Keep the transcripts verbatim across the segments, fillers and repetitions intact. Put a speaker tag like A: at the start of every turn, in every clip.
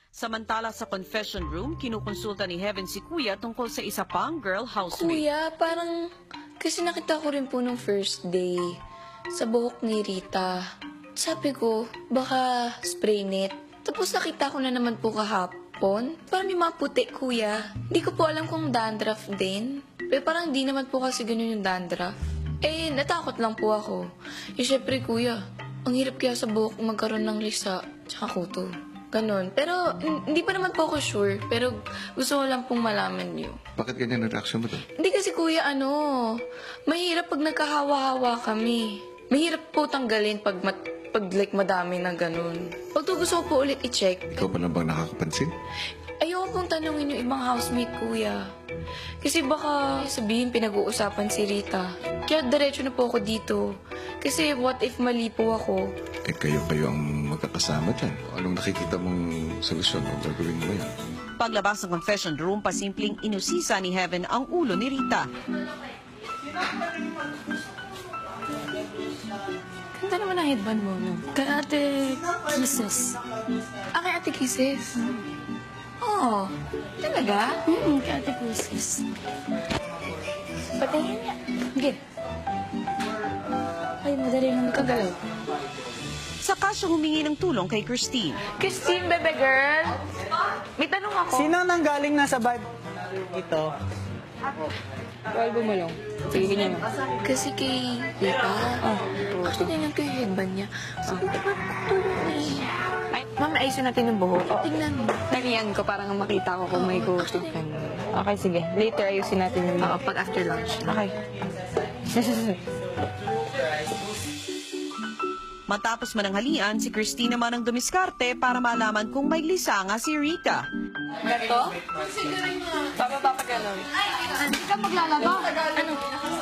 A: Samantala sa confession room, kinukonsulta ni Heaven si Kuya tungkol sa isa pang girl housemate.
B: Kuya, parang kasi nakita ko rin po nung first day sa buhok ni Rita. Sabi ko, baka spray net. Tapos nakita ko na naman po kahapon. Parang may mga puti, kuya. Hindi ko po alam kung dandruff din. Pero parang di naman po kasi ganun yung dandruff. Eh, natakot lang po ako. Eh, syempre, kuya, ang hirap kaya sa buhok magkaroon ng lisa tsaka kuto. Ganon. Pero, hindi pa naman po ako sure. Pero, gusto ko lang pong malaman niyo.
C: Bakit ganyan ang reaction mo to?
B: Hindi kasi, kuya, ano, mahirap pag nagkahawa-hawa kami. Mahirap po tanggalin pag, mat, pag like, madami na ganon. Pag to gusto ko po ulit i-check.
C: Ikaw pa na bang nakakapansin?
B: Ayoko pong tanungin yung ibang housemate, kuya. Kasi baka sabihin pinag-uusapan si Rita. Kaya diretso na po ako dito. Kasi what if mali po ako?
C: Eh kayo-kayo ang magkakasama dyan. Anong nakikita mong solusyon o gagawin mo yan?
A: Paglabas ng confession room, pasimpleng inusisa ni Heaven ang ulo ni Rita.
B: Ganda naman ang headband mo, no? Kay Ate Kisses. Ah, kay Ate Kisses? Oo. Oh, talaga?
D: Mm, kay Ate Kisses.
B: Patingin niya. Sige.
D: Ay, madali lang magkagalaw.
A: Saka siya humingi ng tulong kay Christine.
B: Christine, bebe girl. May tanong ako.
E: Sino nang galing na sa bad ito?
B: Bawal bumulong. Sige, ganyan mo. Kasi kay Rita, oh, actually tingnan ko yung headband niya. Sabi ko, ba't tulong niya? Mama, ayusin natin yung buhok. Tingnan mo.
F: Nariyan ko, parang makita ko kung may gusto ka. Okay, sige. Later, ayusin natin yung...
B: Oo, pag after lunch.
F: Okay.
A: Matapos mananghalian, si Christine naman ang dumiskarte para malaman kung may lisa nga si Rita.
B: Ito? Bababa pa gano'n.
D: Hindi ka maglalaba. Ano?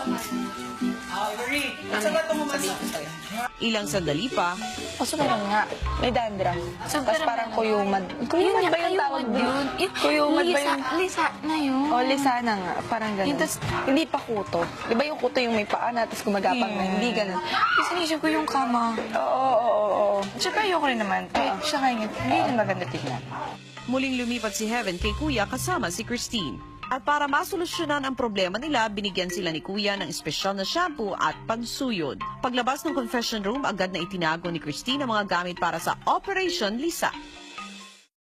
A: Ilang sandali pa,
F: Kaso meron nga, may dandruff. Tapos parang kuyumad. Kuyumad ba yung tawag doon? Kuyumad ba yung...
B: Lisa na yun.
F: O, lisa na nga. Parang
B: Yung
F: gano'n.
B: tas-
F: Hindi pa kuto. Di ba yung kuto yung may paa na, tapos gumagapang na? Hindi gano'n.
B: Kasi naisip ko yung kama.
F: Oo, oo, oo, oo. Tsaka ayoko rin naman. Eh, siya kaya hindi rin maganda tignan.
A: muling lumipat si Heaven kay Kuya kasama si Christine. At para masolusyonan ang problema nila, binigyan sila ni Kuya ng espesyal na shampoo at pansuyod. Paglabas ng confession room, agad na itinago ni Christine ang mga gamit para sa Operation Lisa.